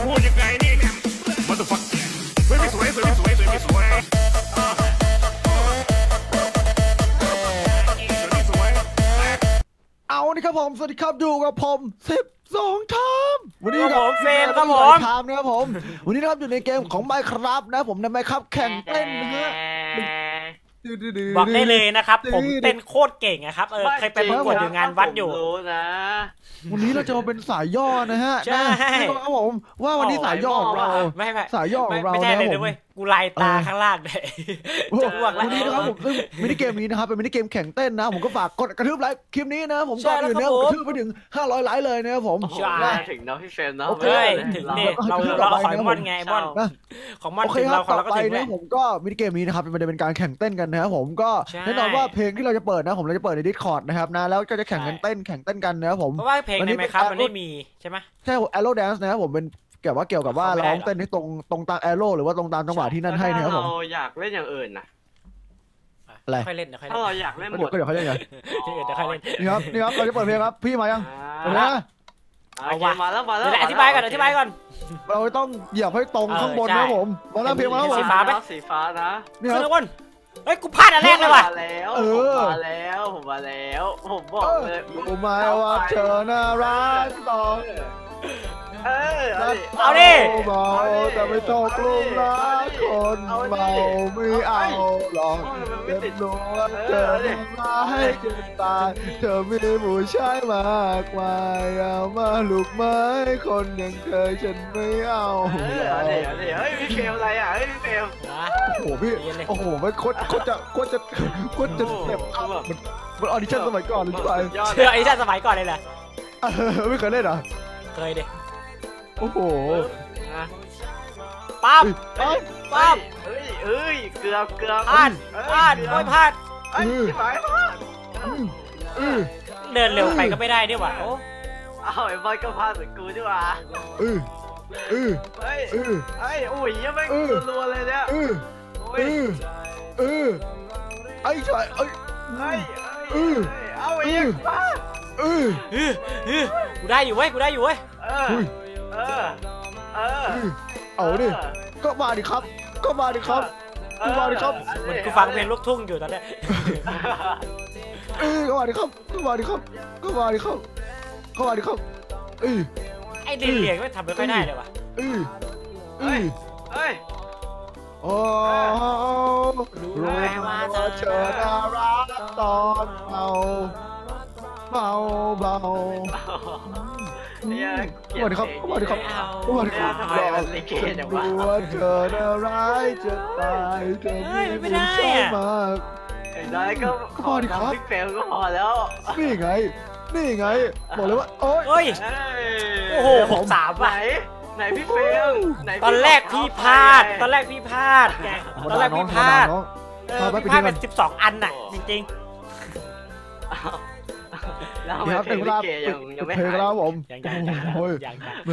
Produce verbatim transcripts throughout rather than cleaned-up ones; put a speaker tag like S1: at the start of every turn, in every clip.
S1: พูดยังไงนี่เนี่ยมันต้องฟังสวยไม่สวยสวยไม่สวยสวยไม่สวย
S2: เอานี่ครับผมสวัสดีครับอยู่กับผมสิบสองทามวันนี้กับ
S3: เฟรมครับผม
S2: ทามนะครับผมวันนี้นะครับอยู่ในเกมของ Minecraft นะผมใน Minecraft แข่งเต้นนะฮะ
S3: บอกได้เลยนะครับผมเต้นโคตรเก่งนะครับเออเคยไปประกวดอยู่งานวัดอยู่
S4: นะ
S2: วันนี้เราจะมาเป็นสายย่อนะฮะ
S3: ใช่
S2: ครับผมว่าวันนี้สายย่อของเรา
S3: ไม่ไม่
S2: สายย่อของเรา
S3: ไม่ใช่เลยด้วยกูลายตาข้างล่างเลยจะอ้วกแล้ว
S2: วันนี้นะครับผมซึ่งมินิเกมนี้นะครับเป็นมินิเกมแข่งเต้นนะผมก็ฝากกดกระทืบไลค์คลิปนี้นะผมก่อนอื่นเนี่ยกระทืบไปถึงห้าร้อยไลค์เลยนะครับผม
S4: ถึงเนาะพี่เฟรมเนาะ
S3: ถึงเนี่ยเราเราขอยมอนไงมอนของมอนถึงเราของเราก็ถึงแล้ว
S2: ผมก็มินิเกมนี้นะครับมันจะเป็นการแข่งเต้นกันนะครับผมก็แน่นอนว่าเพลงที่เราจะเปิดนะผมเราจะเปิดใน Discord นะครับนะแล้วก็จะแข่งกันเต้นแข่งเต้นกันนะครับผม
S3: เพราะว่าเพลงในไหมครับมันไม่มีใช่ไหม
S2: ใช่ Arrow Dance นะครับผมเป็นเกี่ยวว่าเกี่ยวกับว่าร้องเต้นให้ตรงตรงตาม Arrow หรือว่าตรงตามจังหวะที่นั่นให้นะครับผม
S4: เราอยากเล่นอย่างอื่นนะ
S2: อะไร
S3: ค่อยเล่นนะค่อยเล่น
S4: ถ้าเราอยากเล่นหมด
S2: ก็เดี๋ยวค่อยเล่นไง
S3: เดี๋ยวค่อยเล่น
S2: นี่ครับนี่ครับเราจะเปิดเพลงครับพี่มายัง
S4: มาเอาวะมาแล้วมาแล้ว
S3: อธิบายก่อนอธิบายก่อน
S2: เราต้องเหยียบให้ตรงข้างบนนะผมมาแล้วเพลงมาแล้วผม
S3: สีฟ้าไหม
S4: สีฟ้านะ
S2: นี่ครับ
S3: ทุกคนเฮ้ยกูพลาดอันแรกเลยว่ะ
S4: มาแล้วผมมาแล้วผมมาแล้วผมบอกเลย
S2: รู้ไหมว่าเธอน่ารักต่อ
S4: เออ
S3: เอาดิ
S2: เบาแต่ไม่ต้องกลุ้มรักคนเบาไม่เอาหรอกเด็ดรู้ว่าเธอมาให้จนตายเธอมีผู้ชายมากมายเอามาลูกไม้คนอย่างเธอฉันไม่เอา
S4: เดี๋ยวเดี๋ยวเฮ้ยพี่เฟลอะไรอ่ะเฮ้ยพี่เฟล
S2: โอ้โหพี่โอ้โหมันโคตรโคตรจะโคตรจะโคตรจะแบบมันมันออดิชั่นสมัยก่อนเลยใช่ไหม
S3: เชื่อออดิชั่นสมัยก่อนเลยแหละ
S2: ไม่เคยเล่นเหรอ
S3: เคยดิ
S2: โอ้โห
S3: ปั๊บปั๊บ
S4: เฮ้ยเฮ้ยเกือบเกือบ
S3: พลาดพลาดไม่พลาด
S4: ไอ้ที่หมายพลาด
S3: เดินเร็วไปก็ไม่ได้ด้วยว่ะโอ้
S4: เอาไอ้บอยก็พลาดเหมือนกูด้วยว่ะ
S2: เออเออ
S4: เฮ้ยเฮ้ยโอ้ยยังไม่รัวเลยเนี่ย
S2: เออเออเออไอ้ชายเอ้ย
S4: เฮ้ยเออเอาไอ้ยังมา
S2: เออ
S3: เออเออกูได้อยู่เว้ยกูได้อยู่เว้ย
S4: เออเออเออ
S2: เอาดิก็มาดิครับก็มาดิครับก็มาดิครับ
S3: เหมือนกูฟังเพลงลูกทุ่งอยู่ตอนนี้
S2: เออก็มาดิครับก็มาดิครับก็มาดิครับก็มาดิครับเออ
S3: ไอ้เดียงไม่ทำไม่ค่อยได้เลยว่ะ
S2: เออเออ
S4: เฮ้ย
S2: โอ้รู้ไหมว่าเธอน่ารักตอนเบาเบาเบา
S4: เนี่ย
S2: สวัสดีครับสวัสดีครับสวัสดีครับ
S4: ทำไมมันลิเกอย่างวะ
S2: รู้ว่าเธอน่าร้ายจะตายเธอมีผู้ชายมาก
S4: ได้ก็
S2: พอดีครับ
S4: พี่เฟลก็พอแล้ว
S2: นี่ไงนี่ไงบอกเลยว่าโ
S3: อ้ยโอ้โหหกสาม
S4: ไหนไหนพี่เฟล
S3: ตอนแรกพี่พลาดตอนแรกพี่พลาดไงตอนแรกพี่พลาดพี่พลาดเป็นสิบสองอันน่ะจริงๆ
S4: แล้วไม่เพลงลิเกยังยังไม่หาย
S2: แล้วผม
S3: ยังยังยังยัง
S2: แหม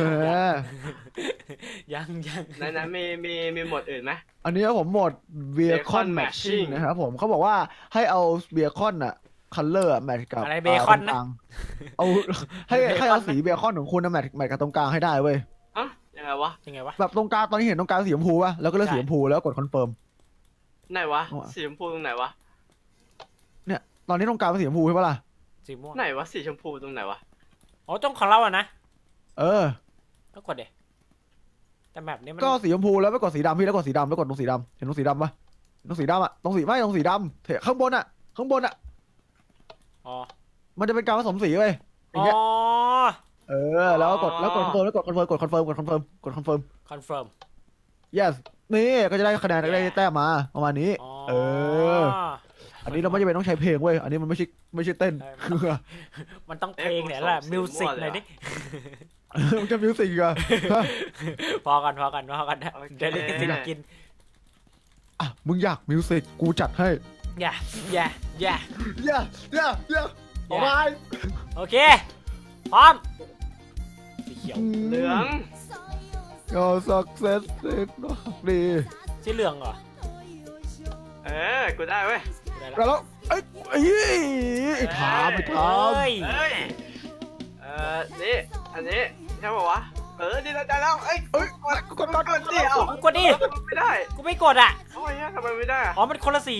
S3: ยังยัง
S4: ไหนไหนมีมีมีหมดอื่นไหม
S2: อันนี้ผมหมด Vehicle Matching นะครับผมเขาบอกว่าให้เอา Vehicle อะ Color แมทกับ
S3: อะไรเบคอนนะ
S2: เอาให้ให้เอาสีเบคอนของคุณนะแมทแมทกับตรงกลางให้ได้เว้ย
S4: อะยังไงวะ
S3: ยังไงวะ
S2: แบบตรงกลางตอนนี้เห็นตรงกลางสีชมพูป่ะแล้วก็เลือกสีชมพูแล้วกดคอนเฟิร์ม
S4: ไหนวะสีชมพูตรงไหนวะ
S2: เนี่ยตอนนี้ตรงกลางเป็นสีชมพูใช่ปะล่ะ
S3: สีม่วง
S4: ไหนวะสีชมพูตรงไหนวะ
S3: อ๋อตรงของเราอะนะ
S2: เออ
S3: ก็กดเดแต่แบบนี้มัน
S2: ก็สีชมพูแล้วไปกดสีดำพี่แล้วกดสีดำแล้วกดตรงสีดำเห็นตรงสีดำปะตรงสีดำอะตรงสีไม่ตรงสีดำเถอะข้างบนอะข้างบนอะ
S3: อ๋อ
S2: มันจะเป็นการผสมสีเว้ย
S3: อ๋อ
S2: เออแล้วกดแล้วกดคอนเฟิร์มแล้วกดคอนเฟิร์มกดคอนเฟิร์มกดคอนเฟิร์มกดคอนเฟิร์ม
S3: คอนเฟิร์ม
S2: yes นี่ก็จะได้คะแนนได้แต้มมาประมาณนี้เอออันนี้เราไม่จำเป็นต้องใช้เพลงเว้ยอันนี้มันไม่ใช่ไม่ใช่เต้น
S3: มันต้องเพลงเนี่ยแหละมิวสิกหน่อยดิ
S2: มันจะมิวสิกอ่ะ
S3: พอกันพอกันพอกันเดี๋ยวได้กินกิน
S2: อ่ะมึงอยากมิวสิกกูจัดให้
S3: อย่าอย่าอย่า
S2: อย่าอย่าอย่าออกมา
S3: โอเคพร้อมสีเขียว
S4: เหลือง
S2: ก็สักเซสดี
S3: สีเหลืองเหรอ
S4: เออกูได้เว้ย
S2: แล้วไอ้ไอ้ถามไปถาม
S4: เฮ้ยเออนี่อันนี้ใช่ป่าววะเออดีแล้วได้แล้วเอ้ยเอ้ยกดกดกดกดดิเอ้าก
S3: ดดิ
S4: ไม่ได้
S3: กูไม่กดอ่ะ
S4: เอ้าไอ้เหี้ยทำไมไม่ได้อะ
S3: อ๋อมันคนละสี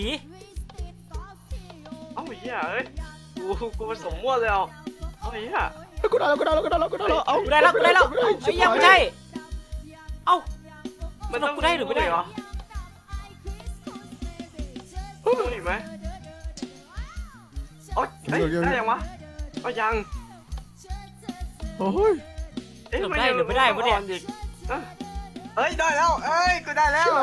S4: เอ้าไอ้เหี้ยเอ้ยกูกูผสมมั่วเลยเอาเอ้าไอ้เหี้ย
S2: กูได้แล้วกูได้แล้วกูได้แล้วกูได้แล้วเอา
S3: กูได้แล้วกูได้แล้วไอ้ยังไม่ใช่เอ้า
S4: มันต้อง
S3: กูได้หรือไม่ได้
S4: เหรอต้องอีกไหมโอ๊ยเฮ้ยได้ยังวะก็ยัง
S2: โอ้ย
S4: เอ๊ะ
S3: ได้หรือไม่ได้วะเนี่ย
S4: อีกเอ้ยเอ้ยได้แล้วเอ้ยกูได้แล้ว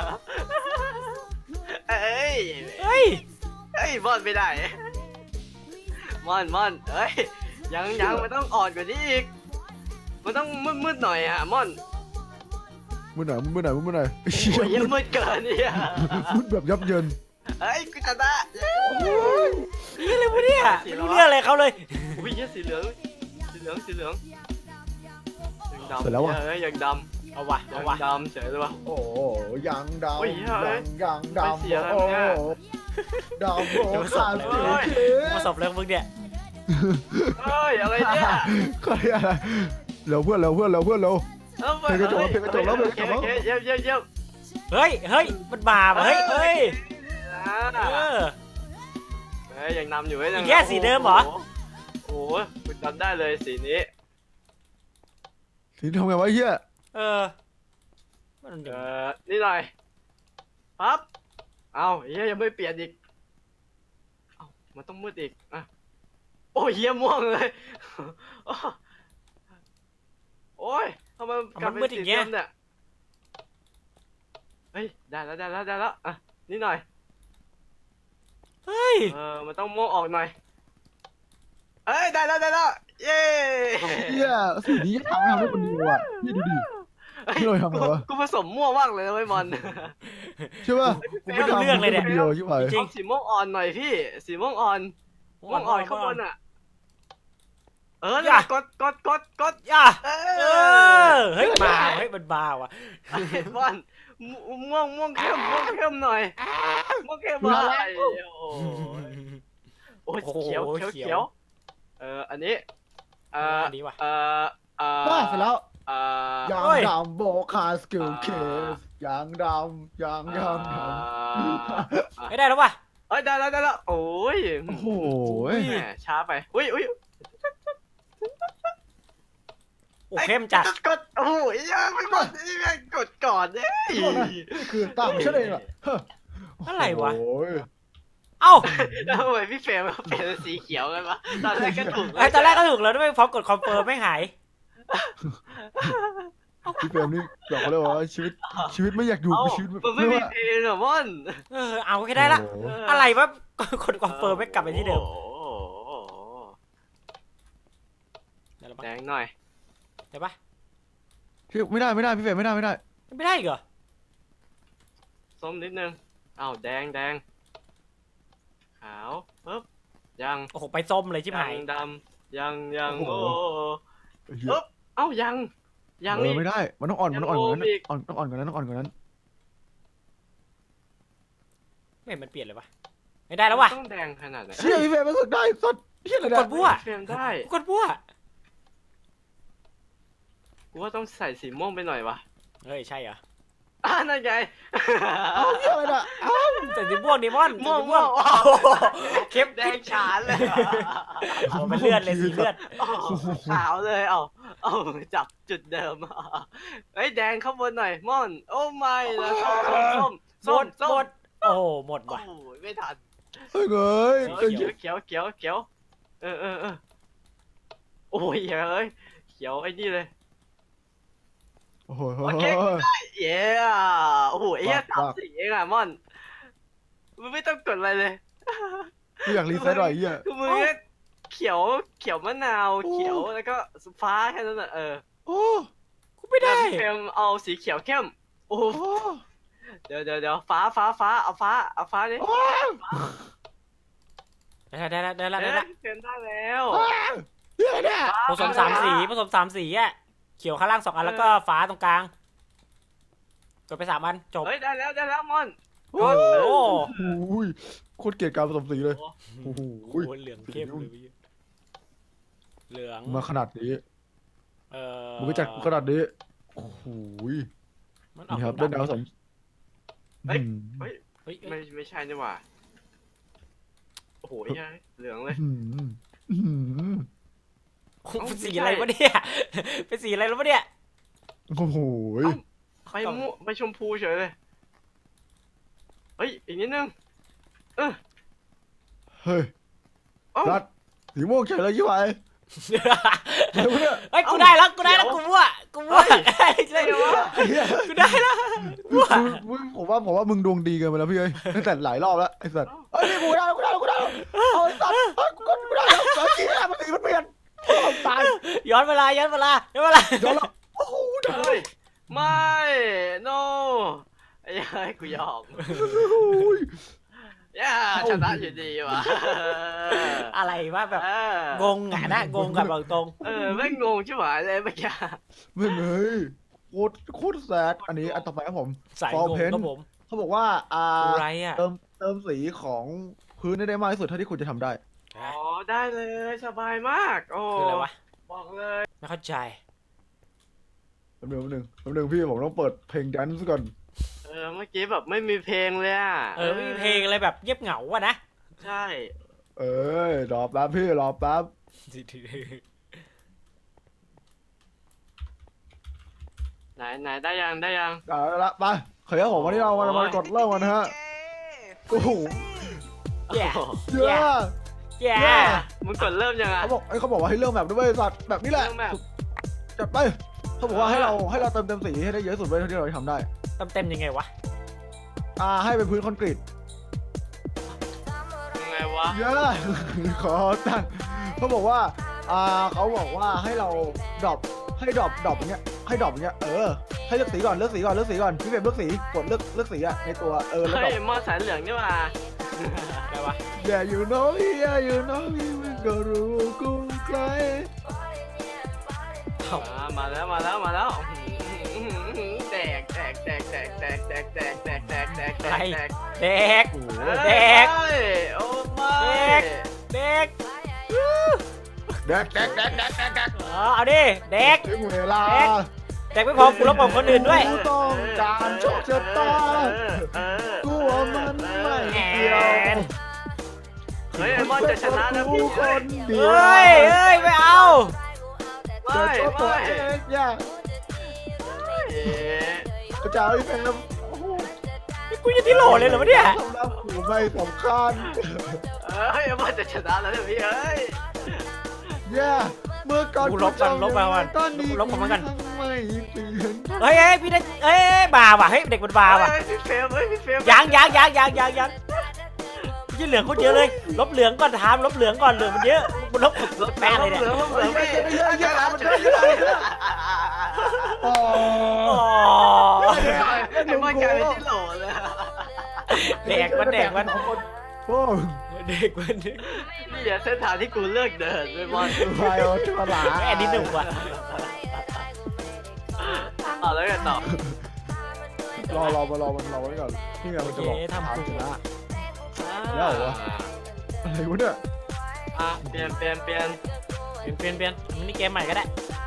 S4: เอ้ย
S3: เฮ้ย
S4: เอ้ยมอนไม่ได้มอนมอนเอ้ยยังยังมันต้องอ่อนกว่านี้อีกมันต้องมืดมืดๆหน่อยอะมอน
S2: มือไหนมือไหนมือไหน
S4: โอ้ยยังมืดเกินเนี่ย
S2: มือแบบยับเยิน
S4: เอ้ยกูชนะ
S3: นี่เลยวะเนี่ยไม่รู้เรื่องอะไรเขาเลย
S4: อุ้ยเหี้ยสีเหลืองสีเหลืองสีเหลืองยังดำ
S2: เสร็จแล้วอ่ะ
S4: เอ้ยยังด
S3: เอาวะ
S4: ำยั
S3: เอา
S4: ง
S3: วะ
S4: ดำเฉยเลยวะ
S2: โอ้ยังดำ
S4: โอ้ยเฮ้ย
S2: ยังดำ
S4: ไม่เสียแล้ว
S2: โอ้
S4: เนี่ย
S2: ดำโอ้ขาดเสียเ
S3: มาสอบเรื่องมึงเนี่ย
S4: เฮ้ยอะไรเนี่ย
S2: ใครอะไรเร็วเพื่อนเร็วเพื่อนเร็วเพื่อนเร็ว
S4: เอ้า
S2: เพลงกระจกแล้วเพลงกระจกแล้วเพลงกระจกแล้ว
S4: โอเคโอเคเยี่ยมเยี่ยมเยี่ยม
S3: เฮ้ยเฮ้ยมันบาปะเฮ้ยเฮ้ย
S4: อ่า
S3: เออ
S4: เฮ้ยยังนำอยู่เว้ยยัง
S3: อีกแค่สีเดิมเหรอ
S4: โอ้โหคุณจำได้เลยสีนี้
S2: ทีนี้ทำไงวะไอ้เฮีย
S3: เออมัน
S4: เอ่อนี่หน่อยปั๊บเอ้าเฮียยังไม่เปลี่ยนอีกเอ้ามันต้องมืดอีกอ่ะโอ้ยเฮียม่วงเลยโอ้ยทำไมกลับเป็นสีเดิมเนี่ยเฮ้ยได้แล้วได้แล้วได้แล้วอ่ะนี่หน่อย
S3: เฮ้ย
S4: เออมันต้องม่วงออกหน่อยเอ้ยได้แล้วได้แล้วเย้
S2: เฮียสีนี้ทำให้ทำได้คนเดียวอ่ะพี่ดูดิ พี่หน่อยทำไงวะ
S4: กูผสมมั่วมากเลยนะไอ้บอล
S2: ใช่ป่ะ
S3: กูไม่รู้เรื่องเลยเนี่ย
S2: คนเดียวใช่ไหม
S3: จริง
S4: เอาสีม่วงอ่อนหน่อยพี่สีม่วงอ่อนม่วงอ่อนข้างบนอ่ะเออเนี่ยกดกดกดกด
S3: ย่า
S4: เอ
S3: เอ
S4: อ
S3: อเฮ้ยบาเฮ้ยมันบาว่ะ
S4: ไอ้บอลม่วงม่วงเข้มม่วงเข้มหน่อยม่วงเข้มหน่อยโอ้ยเขียวเขียวเขียวเอออันนี้เออ
S3: ดีว่ะ
S4: เออเออ
S2: ได้เสร็จแล้ว
S4: เออย
S2: างดำโบคาสกิลเคสยางดำยางยางดำ
S3: ไม่ได้แล้วว่ะ
S4: เอ้ยได้แล้วได้แล้วโอ้ย
S2: โอ้โห
S4: แหมช้าไปอุ้ยอุ้ย
S3: โอ้เข้มจัด
S4: กดโอ้ยยังไม่กดนี่แม่งกดก่อนเนี่ย
S2: นี่คือต่างประเทศเองอ่ะ
S3: อะไรวะ
S2: โอ้ย
S3: เอ้า
S4: แล้วทำไมพี่เฟรมเปลี่ยนเป็นสีเขียวกันวะตอนแรกก็ถูก
S3: ไอ้ตอนแรกก็ถูกแล้วด้วยพอกดคอนเฟิร์มไม่หาย
S2: พี่เฟรมนี่บอกเขาเลยว่าชีวิตชีวิตไม่อยากอยู่
S4: เอ้า
S2: ชีวิต
S4: มันไม่มีเพลงเหรอม่อน
S3: เออเอาแค่ได้ละ อะไรวะกดคอนเฟิร์มไม่กลับไปที่เดิม
S4: โอ้โห
S3: ได้แล้วปะ
S4: แดงหน่อย
S3: ได้ปะ
S2: พี่ไม่ได้ไม่ได้พี่เฟรมไม่ได้ไม่ได้
S3: ไม่ได้อีกเหรอ
S4: ส้มนิดนึงอ้าวแดงแดงขาวปึ๊บยัง
S3: โอ้โหไปส้มเลยชิบหาย
S4: ยังดำยังยังโอ้
S2: เหี้ย
S4: ปึ๊บเอ้ายังยัง
S2: เอ
S4: นี่
S2: อไม่ได้มันต้องอ่อนมันต้องอ่อนกว่านั้น
S4: ยังโอมอีก
S2: อ่อนต้องอ่อนกว่านั้นต้องอ่อนกว่านั้น
S3: ไม่เห็นมันเปลี่ยนเลยวะไม่ได้แล้ววะ
S4: ต้องแดงขนาดไหน
S2: เชี่ยพี่เฟรมมันสุดได้สุดเชี่ยอะไร
S3: ก
S2: เนี่ย
S3: ดบัว
S4: เฟรมได้
S3: กดบัว
S4: กูว่าต้องใส่สีม่วงไปหน่อยวะ
S3: เฮ้ยใช่เหรอ
S4: อ่านั่นไง
S2: เอาเชี่ยอะไรเนี่ยเอา
S3: แต่สีม่วงดิมอน
S4: ม่วง
S3: สี
S4: ม่วง
S3: โอ้โหเข้ม
S4: แดงฉานเลย
S3: โอ้เป็นเลือดเลยสีเลือด
S4: อ้าวขาวเลยเอาเอาจับจุดเดิมเฮ้ยแดงข้างบนหน่อยม่อนโอ้ไม่นะส้ม
S3: หม
S4: ส้ม
S3: ด
S4: ส้
S3: หม
S4: ม
S3: ดโอ้โหหมด
S4: โอ้
S3: ว่ะ
S4: โหไม่ทัน
S2: เฮ้ยเอ้ย
S4: เออเขียวเขียวเขียวเขียวเออเออเออโอ้ยเฮ้ยเขียวไอ้นี่เลย
S2: โอ้โห
S4: โอเคเย้โอ้โหไอ้เหี้ยสามสีเองอะม่อนมึงไม่ต้องกดอะไรเลย
S2: ไม่อยากรีเซ็ตหน่อยไอ้เหี้ย
S4: คือมึงแค่เขียวเขียวมะนาวเขียวแล้วก็ฟ้าแค่นั้นน่ะเออ
S2: โอ้
S3: กูไม่ได้
S4: แล้วพี่เฟรมเอาสีเขียวเข้มโอ้โห
S2: โอ้
S4: เดี๋ยวเดี๋ยวเดี๋ยวฟ้าฟ้าฟ้าเอาฟ้าเอาฟ้าดิ
S2: โอ้
S3: ได้ได้ได้ได้ได้
S4: เอ้ย
S3: ได้
S4: พี่เฟรมได้แล้ว
S2: เหี้ยเนี่ย
S3: ผสมสามสีผสมสามสีอ่ะเขียวข้างล่างสองอันแล้วก็ฟ้าตรงกลางกดไปสามอันจบ
S4: เฮ้ยได้แล้วได้แล้วมอน
S2: โอ้
S3: โอ้
S2: โหโคตรเกลียดการผสมสีเลยโอ้โห
S3: โหเหลืองเข้มเลยเหลือง
S2: มาขนาดนี้
S3: เออ
S2: มึงก็จัดขนาดนี้โอ้โห
S3: มันออก
S2: นี่ครับเล่นดาวสม
S4: เฮ้ย
S2: อืม
S4: เฮ้ย
S3: เฮ้ย
S4: ไม่ไม่ใช่นี่หว่าโอ้โหไอ้เหี้ยเหลืองเลย
S2: อืมอืม
S3: เป็นสีอะไรวะเนี่ยเป็นสีอะไรแล้ววะเนี่ย
S2: โอ้โห
S4: ไปม่วงไปชมพูเฉยเลยเฮ้ยอีกนิดนึงเออ
S2: เฮ้ย
S4: เอ้า
S2: รัดสีม่วงเฉยเลยยี่ไหวเดี๋ยวเนี่ย
S3: เฮ้ยกูได้แล้วกูได้แล้วกูมั่วกูมั่วใช่วะ
S2: ไอ้เหี้ย
S3: กูได้แล้วมั่ว
S2: มึงผมว่าผมว่ามึงดวงดีเกินไปแล้วพี่เอ้ยตั้งแต่หลายรอบแล้วไอ้สัตว์เอ้ยนี่กูได้แล้วกูได้แล้วกูได้แล้วเอาไอ้สัตว์เอ้ยกูก็กูได้แล้วเมื่อกี้อะมันสีมันเปลี่ยนโอ้ตาย
S3: ย้อนเวลาย้อนเวลาย้อนเวลา
S2: ย้อนแล้วโอ้โหได้
S4: เฮ้ยไม่ no ไอ้เหี้ยกูยอม ย่าชนะอยู่ดีว่ะ
S3: อะไรวะแบบ
S4: เออง
S3: งอ่ะนะงงกับบอกตรง
S4: เออไม่งงชิบหายเลยเมื่อกี้
S2: ไม่เลยโคตรโคตรแซดอันนี้อันต่อไปครับผม
S3: สาย
S2: ฟอร์
S3: งง
S2: เพน
S3: ครับผม
S2: เขาบอกว่าอ่า
S3: อะไรอ่ะ
S2: เติมเติมสีของพื้นให้ได้มากที่สุดเท่าที่คุณจะทำได้
S4: อ๋อได้เลยสบายมากโอ้
S3: คืออะไรวะ
S4: บอกเลย
S3: ไม่เข้าใจ
S2: แป๊บนึงแป๊บนึงแป๊บนึงพี่ผมต้องเปิดเพลงแดนซ์ก่อน
S4: เออเมื่อกี้แบบไม่มีเพลงเลยอ่ะ
S3: เออไม่มีเพลงอะไรแบบเงียบเหงาอะนะ
S4: ใช่
S2: เอ้ยรอแป๊บพี่รอแป๊บ
S4: ไหนไหนได้ยังได้ยัง
S2: เอาละไปเขยผมวันนี้เรามามากดเริ่มกันนะฮะโอ้โห
S3: แย่
S2: เยอะ
S3: แย่
S4: มึงกดเริ่มยังไง
S2: เขาบอกไอ้ยเขาบอกว่าให้เริ่มแบบด้วยสัตว์แบบนี้แหละ
S4: เริ่มแบบ
S2: จัดไปเขาบอกว่าให้เราให้เราเติมเต็มสีให้ได้เยอะที่สุดไว้เท่าที่เราจะทำได้
S3: เต็มเต็มยังไงวะ
S2: อ่าให้เป็นพื้นคอนกรีต
S4: ยังไงวะ
S2: เยอะขอตั้งเขาบอกว่าอ่าเขาบอกว่าให้เราดรอปให้ดรอปดรอปอย่างเงี้ยให้ดรอปอย่างเงี้ยเออให้เลือกสีก่อนเลือกสีก่อนเลือกสีก่อนพี่เฟรมเลือกสีกดเลือกเลือกสีอะในตัวเออแล้วดร
S4: เฮ้
S2: อย ป
S4: มอสายเหลืองนี่หว่า
S3: อะไรวะ
S2: Yeah you know me yeah you know me มันก็รู้กูใคร
S4: อ่ามาแล้วมาแล้วมาแล้วแตกแตกแตกแตกแตกแตกแตกแตกแตกแตกแตกแตก
S3: เด็ก
S2: โอ้โห
S3: แดก
S4: โอ้ไม่
S3: เด็ก
S2: แดกแดกแดกแดกแดกแดก
S3: อ๋อเอาดิเด็ก
S2: ถึงเวลา
S3: เด็กไม่พอกูรบกวนคนอื่นด้วย
S2: กูต้องการโชคชะตากูว่ามันไม่เกี่ยว
S4: เฮ้ยไอ้มอนจะชนะนะพี่
S2: กูคนเดียว
S3: เฮ้ยเฮ้ยไม่เอา
S4: ไม่
S2: เดี๋ยวโชว์ตัว
S4: ไม่
S2: เองอย่า
S4: เอ๊ะ
S2: กระจายแฟม
S3: กูยังที่โหลเลยเหรอวะเนี่ย
S2: สำหรับกูไม่สำคัญ
S4: เฮ้ยไอ้มอนจะชนะแล้วเนี่ยพี่เฮ้ย
S2: อย่าเมื่อก่อน
S3: กูลบกันลบไปก่อน
S2: ตอนนี้
S3: ลบของมันกัน
S2: ไม่เปลี่ยน
S3: เฮ้ยเฮ้ยพี่ได้เฮ้ยบาว่ะเฮ้ยเด็กมันบาว่ะ
S4: เฮ้ยพี่เฟรมเฮ้ยพี่เฟรม
S3: ยังยังยังยังยังยังยี่เหลืองคนเยอะเลยลบเหลืองก่อนถามลบเหลืองก่อนเหลืองมันเยอะมันลบลบแป้เลยเนี่ย
S4: เหลืองเหลืองพี่
S2: เยอะเยอะมันเยอะเยอะเยอะอ๋อ
S3: อ๋อ
S4: ไอ้มอนกลายเป็นที่โหลเลย
S3: แดกมันแดกมัน
S2: โอ้
S3: เด็กมันเด็ก
S4: นี่อย่าเส้นทางที่กูเลือกเดินไอ้มอน
S2: ไายเอาฉลา
S3: แค่นิดหนึ่งว่ะ
S4: เอาแล้วกันต่อ
S2: รอรอมารอมันรอไว้ก่อนนี่ไงมันจะบอกทำชนะ แล้วเหรอ อะไรวะเนี่ย
S4: อ่ะเปลี่ยนเปลี่ยนเปลี่ยน
S3: เปลี่ยนเปลี่ยนเปลี่ยนมินิเกมใหม่ก็ได้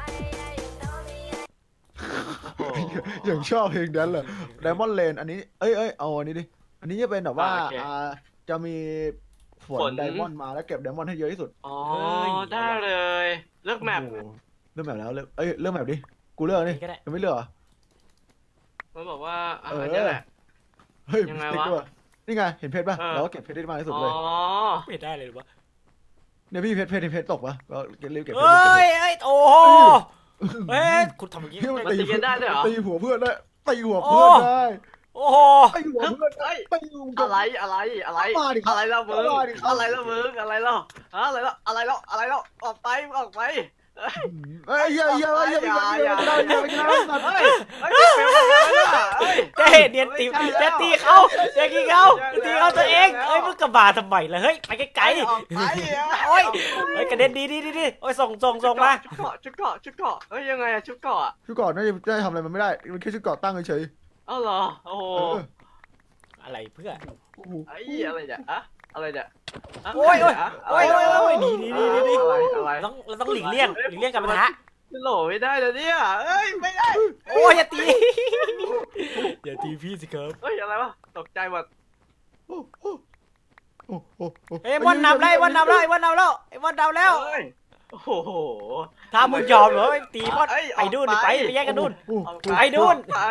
S4: โอ้โห
S2: อย่างชอบเพลงนั้นเลย Diamond Lane อันนี้เอ้ยเอ้ยเอาอันนี้ดิอันนี้จะเป็นแบบว่า
S4: อ่าโอเค
S2: อ่าจะมีฝน
S4: ฝน
S2: ไดมอนด์มาแล้วเก็บไดมอนด์ให้เยอะที่สุด
S4: อ๋อได้เลยเลือกแมป
S2: โอ้โหเริ่มแบบแล้วเริ่มเอ้ยเริ่มแบบดิกูเลือกนี่
S3: ก็ได้
S2: ยังไม่เลือกเหรอ
S4: มันบอกว่าอ่ะ
S2: เออ
S4: อันนี้แหละ
S2: เฮ้ย
S4: ยังไง
S2: ติ๊ก
S4: วะ
S2: ด้วยนี่ไงเห็นเพชรป่ะ
S4: เออ
S2: เราก็เก็บเพชรได้มากที่สุด
S4: อ๋
S2: เลย
S4: อ
S3: ไม่ได้เลยหรือวะ
S2: เนี่ยพี่เพชรเพชรเพชรตกปะก็เก็บรีบเก็บเพชร
S3: เฮ้ย
S2: รีบเก็บเพชร
S3: เฮ้ยโอ้โหเฮ้ยคุณทำอย่างนี้
S2: พี่มัน
S4: มันตีกันได้ด้วยเหรอ
S2: ตีหัวเพื่อนได้ตีหัวเพื่อนได้
S3: โอ้โห
S2: ตีหัวเพื่อนได้
S4: เฮ้ย
S2: ตีหัวเพื่
S4: อะ
S2: น
S4: ไรอะไรอะไร
S2: มาดิครับ
S4: อะไรแล้วมึง
S2: มาดิครับ
S4: อะไรแล้วมึงอะไรแล้วฮะอะไรแล้วอะไรแล้วอะไรแล้วออกไปออกไปเฮ้ย
S2: เอ้ยอย่าอย่าอย่าอย่าอย่าอย่าอย่าอย่าอย่า
S4: เฮ้ยเฮ้ยเฟลเลยเฮ้ย
S3: เจ๊เนียนตีจะตีเขาจะกินเขาจะตีเขาตัวเองเอ้ยมึงกระบาทำไมล่ะเฮ้ยไปไกล
S4: ออกไป
S3: ๆโอ้ยเฮ้ยกระเด็นดีดีดีดีโอ้ยส่งส่งส่งมา
S4: ชุดเกาะชุดเกาะชุดเกาะเฮ้ยยังไงอะชุดเกาะอะ
S2: ชุดเกาะน่าจะได้ทำอะไรมันไม่ได้มันแค่ชุดเกาะตั้งเฉย
S4: เอ้าเหรอโอ้โห
S2: ๆเออ
S3: อะไรเพื่อ
S2: โอ้โห
S4: ไอ้อะไรเนี่ยอะอะไรเนี่ยะ
S3: โอ้ยโอ้ย
S4: ะ
S3: โอ้ยโอ้ยโอ้ยหนีหนีหนีหนีหนี
S4: อะไรอะไร
S3: เราต้องเราต้องหลีกเลี่ยงหลีกเลี่ยงกับปัญหา
S4: โหลไม่ได้เลยเนี่ยเอ้ยไม่ได้
S3: โอ้ยอย่าตีอย่าตีพี่สิครับ
S4: เฮ้ยอะไรวะตกใจหมด
S2: โอ้โหโอ้โห
S3: เอ้ยวันนำแล้วไอ้วันนำแล้วไอ้วันนำแล้วไอ้วันนำแล้ว
S4: เฮ้ยโอ้โห
S3: ถ้ามึงยอมเหรอไอ้ตีพอดไปดูนไปไปแยกกันดูน ไปนู่น
S4: ไป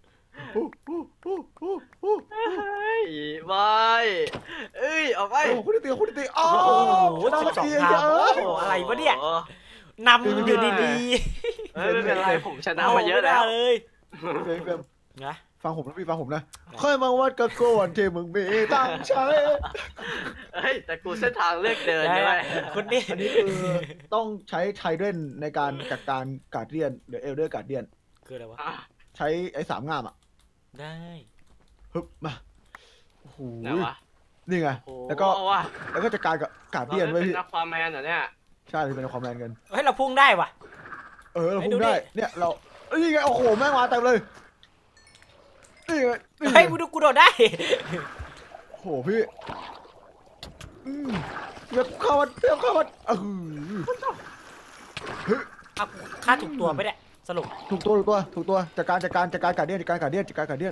S4: เฮ้ยบายเอ้ยออกไป
S2: โอ้คุณตีคุณตีอ้า
S3: โอ้
S2: ว
S3: โหสิบสองทางโอ้โหอะไรวะเนี่ยนำอยู่ดีๆ
S4: เฮ้ยไม่เป็นไรผมชนะมาเยอะแล้ว
S3: เลย
S2: เฟรมเฟรม
S3: นะ
S2: ฟังผมนะพี่ฟังผมนะค่อยมาวัดกับโกนที่มึงมีตั้งใช้
S4: เฮ้ยแต่กูเส้นทางเลือกเดินใช่ไหม
S3: คนนี้
S2: อันนี้คือต้องใช้ไทเดนในการจัดการการเดียนหรือเอลเดอร์การเดียน
S3: คืออะไรวะ
S4: อ่ะ
S2: ใช้ไอ้สามงามอ่ะ
S3: ได้
S2: ฮึบมาโอ้โห
S4: ไหนวะ
S2: นี่ไง
S4: โอ้
S2: แล้วก็
S4: ว่ะ
S2: แล้วก็จัดการกับการ
S4: เรา
S2: เดียน
S4: ได้
S2: ไว้
S4: เป็น
S2: พี่
S4: นักความแมนเหรอเนี่ย
S2: ใช่เป็นความแรงเงิน
S3: เฮ้ยเราพุ่งได้ว่ะ
S2: เออเรา
S3: ให้
S2: พู
S3: ดู
S2: ดได้
S3: ดิ
S2: เนี่ยเราเอ้ยนี่ไงโอ้โหแม่งมาเต็มเลยนี่ไงนี่ไง
S3: เฮ้ยกูดูกูโดดได้
S2: โอ้โหพี่อืมเรียบเข้ามาเรียบเข้ามาเออเฮ้ย
S3: เอาฆ่าถูกตัวไปเนี่ยสรุป
S2: ถูกตัวถูกตัวถูกตัวจัดการจัดการจัดการการเดียนจัดการการเดียนจัดการการเดียน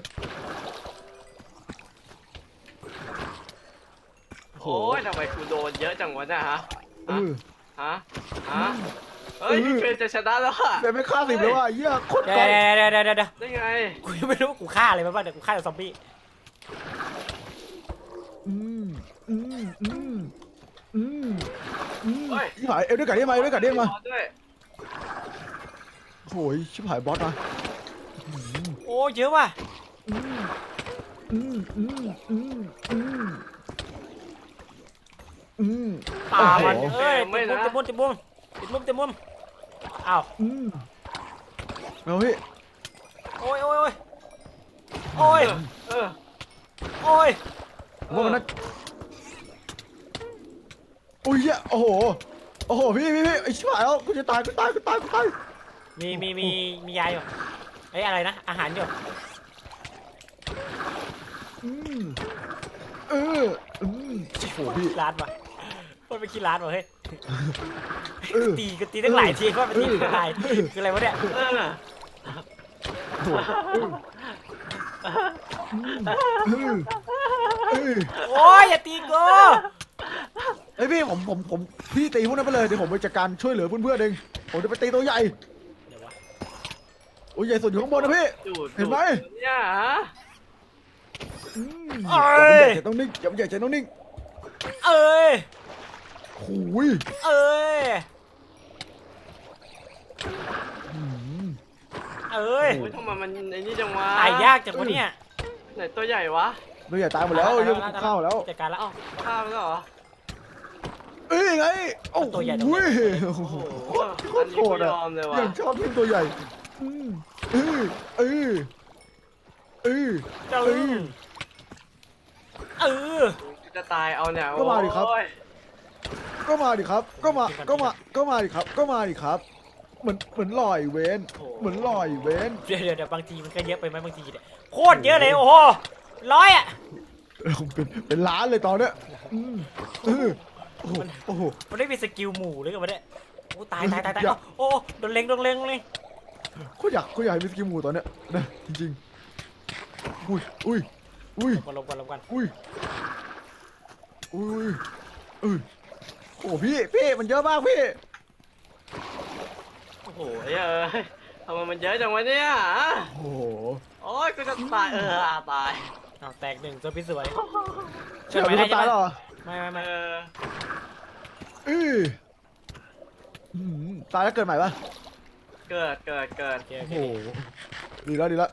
S4: โอ้ยทำไมกูโดนเยอะจังวะเนี่ยฮะ
S2: เออ
S4: ฮะฮะเฮ้ยพี่เฟรนจะชนะแล้วอะ
S2: แต่ไม่ฆ่าสิบเลยว่ะเหี้ยโคตร
S3: เดี๋ย
S2: ไกล
S3: วเดี๋ยวเดี๋ยวเดี๋ยวเดี๋ยว
S4: ได้ไง
S3: กูยังไม่รู้ว่ากูฆ่าอะไรมาบ้างเดี๋ยวกูฆ่าแต่ซอมบี้
S2: อืมอืมอืมอืมอืม
S4: เฮ้ย
S2: ชิบหายเอลด้วยการเดียนมาเอลด้วยการเดียนมา
S4: ด้วย
S2: โอ้ยชิบหายบอสมา
S3: โอ้เยอะว่ะ
S2: อืมอืมอืมอืมอืมอืม
S3: ตามัน
S2: โอ้โห
S3: เอ้ยติดมุมติดมุมติดมุมติดมุมติดมุมอ้าว
S2: อืมเอาพี่
S3: โอ้ยโอ้ยโอ้ยโอ้ย
S4: เออ
S3: โอ้ย
S2: ผมว่ามันน่าโอ้ยเหี้ยโอ้โหโอ้โหพี่พี่พี่ไอ้ชิบหายแล้วกูจะตายกูตายกูตายกูตาย
S3: มีมีมีมียาอยู่เอ้ยอะไรนะอาหารอยู่
S2: อืมเอออืมโอ้โหพี่
S3: ร้านว่ะมันเป็นขี้ร้านว่ะเฮ้ย
S2: เออ
S3: ตีก็ตีตั้งหลายทีว่าเป็นตีตั้งหลายคืออะไรวะเนี่ย
S4: เออ
S2: โอ้โหเออเออ
S3: โอ้ยอย่าตีกู
S2: ไอ้ยพี่ผมผมผมพี่ตีพวกนั้นไปเลยเดี๋ยวผมไปจัดการช่วยเหลือเพื่อนๆเองผมจะไปตีตัวใหญ่
S3: เดี๋ยววะ
S2: โอ้ยใหญ่สุดอยู่ข้างบนนะพี่
S4: ดูด
S2: เห็นไหม
S4: เนี่ยฮะ
S2: อืม
S3: เอ้ย
S2: อย่าต้องนิ่งอย่าใหญ่ใจต้องนิ่ง
S3: เอ้ย
S2: โอ้ย
S3: เอ้ย
S2: อืม
S3: เอ้ย
S4: โอ้ยทำไมมันไอ้นี่จังวะ
S3: ตายยากจังวะเนี่ย
S4: ไหนตัวใหญ่วะ
S2: ตัวใหญ่ตายหมดแล้วยังข้าวแล้ว
S3: จัดการแล้ว
S4: เอ้าข้ามแล้วเหรอ
S2: เอ้ยไงโอ้
S3: ตัวใหญ่ตรงไหน
S2: โอ้โห
S4: โอ้โห
S2: โค
S4: อั
S2: ต
S4: น
S2: ร
S4: นี้
S2: โห
S4: กู
S2: ด
S4: ย
S2: อ่ะ
S4: อมเลย
S2: ยั
S4: ว่ะ
S2: งชอบทีมตัวใหญ่อืมเออเออเออ
S3: เจ้า
S2: เออ
S3: เออ
S4: กูจะตายเอาเนี่ย
S2: ก็มาดิครับ
S4: โอ้ย
S2: ก็มาดิครับ ก็มาก็มาก็มาดิครับ ก็มาดิครับ เหมือนเหมือนลอยเว้นเหมือนลอยเว้น
S3: เดี๋ยวเดี๋ยวเดี๋ยวบางทีมันก็เยอะไปไหมบางทีเนี่ยโคตรเยอะเลยโอ้โหร้อยอ่ะ
S2: เออเป็นเป็นล้านเลยตอนเนี้ยอืมเออโอ้โหโอ้โห
S3: มันได้มีสกิลหมู่หรือกันวะเนี่ยโอ้ตายตายตายตาย
S2: อย่า
S3: โอ้โอ้โดนเล็งโดนเล็งเลย
S2: โคตรอยากโคตรอยากให้มีสกิลหมูตอนเนี้ยนะจริงๆอุ้ยอุ้ยอุ้ย
S3: ลงกันลงกันลงกัน
S2: อุ้ยอุ้ยอุ้ยโอ้โหพี่พี่มันเยอะมากพี่
S4: โอ้โหเอ้ยทำไมมันเยอะจังวะเนี่ย
S2: โอ้โห
S4: โอ้ยกูจะตายเออตาย
S3: เอาแตกหนึ่งตัวพี่สวย
S2: เชื่อมีคนตายแล้วเหรอ
S3: ไม่ไม่
S4: เอ
S3: ไม่
S4: อ
S2: เอออืมตายแล้วเกิดใหม่ปะ
S4: เกิดเกิดเกิด
S3: โอเคโอ
S2: โอ้
S3: เค
S2: โหดีแล้วดีแล้ว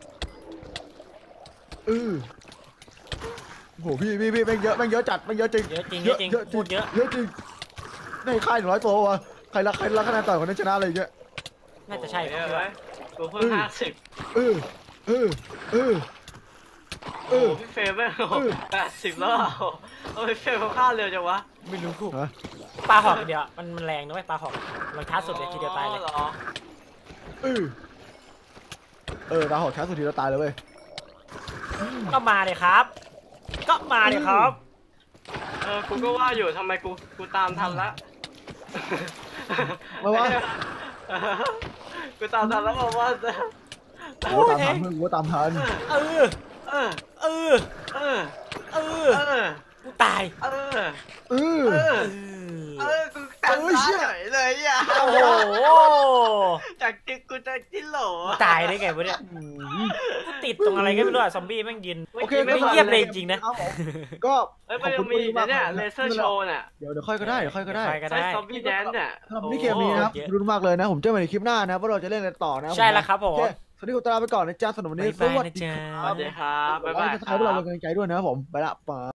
S2: เออโอ้โหพี่พี่พี่แม่งเยอะแม่งเยอะจัดแม่งเยอะจริง
S3: เยอะจริงเยอะจริงพูดเยอะ
S2: เยอะจริงในค่ายหนึ่งร้อยตัววะใครรักใครรักคะแนนต่อยคนนั้นชนะอะไรอย่างเงี้ย
S3: น่าจะใช่
S4: โอ้
S3: ครับ
S4: ยเอ้ยกูเพิ่ง
S2: เออ
S4: ห้าสิบ
S2: เออเออเออเอ
S4: โอ้
S2: อ
S4: พี่เฟรมไม่โอ้
S2: เออ
S4: แปดสิบแล้วอ่ะโอ้ยพี่เฟรมเขาฆ่าเร็วจังวะ
S3: ไม่รู้
S2: ฮะ
S3: ปลาหอกเดียวมันมันแรงนะเว้ยปลาหอกมันช้าสุดเลยทีเดียวตายเลย
S4: อ๋อหรอ
S2: เออเออดาวหอกช้าสุดทีเราตายเลยเว้ย
S3: ก็มาเลยครับ ก็มาเลยครับ
S4: เออกูก็ว่าอยู่ทำไมกูกูตามทันละ
S2: มาวะ
S4: กูตามทันแล้วบอกว่า
S2: กูตามทันมึงกูตามทัน
S3: เออ
S4: เออ
S3: เออ
S4: เออ
S3: เออ
S4: เออ
S3: กูตาย
S4: เออ
S2: เออ
S4: เออ
S3: เอ
S4: เอ
S3: อ
S4: อกูตามเฉยเลยอ่ะ
S3: โอ้โห
S4: จากจิกกูจะจิ้นโหล
S3: ตายได้ไงวะเนี่ยกูติดตรงอะไรก็ไม่รู้อะซอมบี้แม่งยืน
S2: โอเค
S3: ไม่เงียบเลยจริงๆนะ
S2: ก็
S4: เอ้ยมันยังมีเนี่ยเลเซอร์โชว์เนี่ย
S2: เดี๋ยวเดี๋ยวค่อยก็ได้เดี๋ยวค่อยก็ได้
S3: ไปก็
S4: ใช้
S3: ได้
S4: ซอมบี้แดนเนี่ย
S2: สำหรับที่เกมนี้นะครับรุนมากเลยนะผมเจอกันในคลิปหน้านะว่าเราจะเล่นอะไรต่อนะ
S3: ใช่แล้วครับผม
S2: โอเคสวัสดีคุณตาไปก่อนนะจ๊ะสำหรับวันนี้
S3: บ๊ายบายนะจ๊ะ
S4: สวัสดีครับบ๊ายบาย
S2: จะถ่ายพวกเราเป็นกำลังใจด้วยนะครับผมไปละปา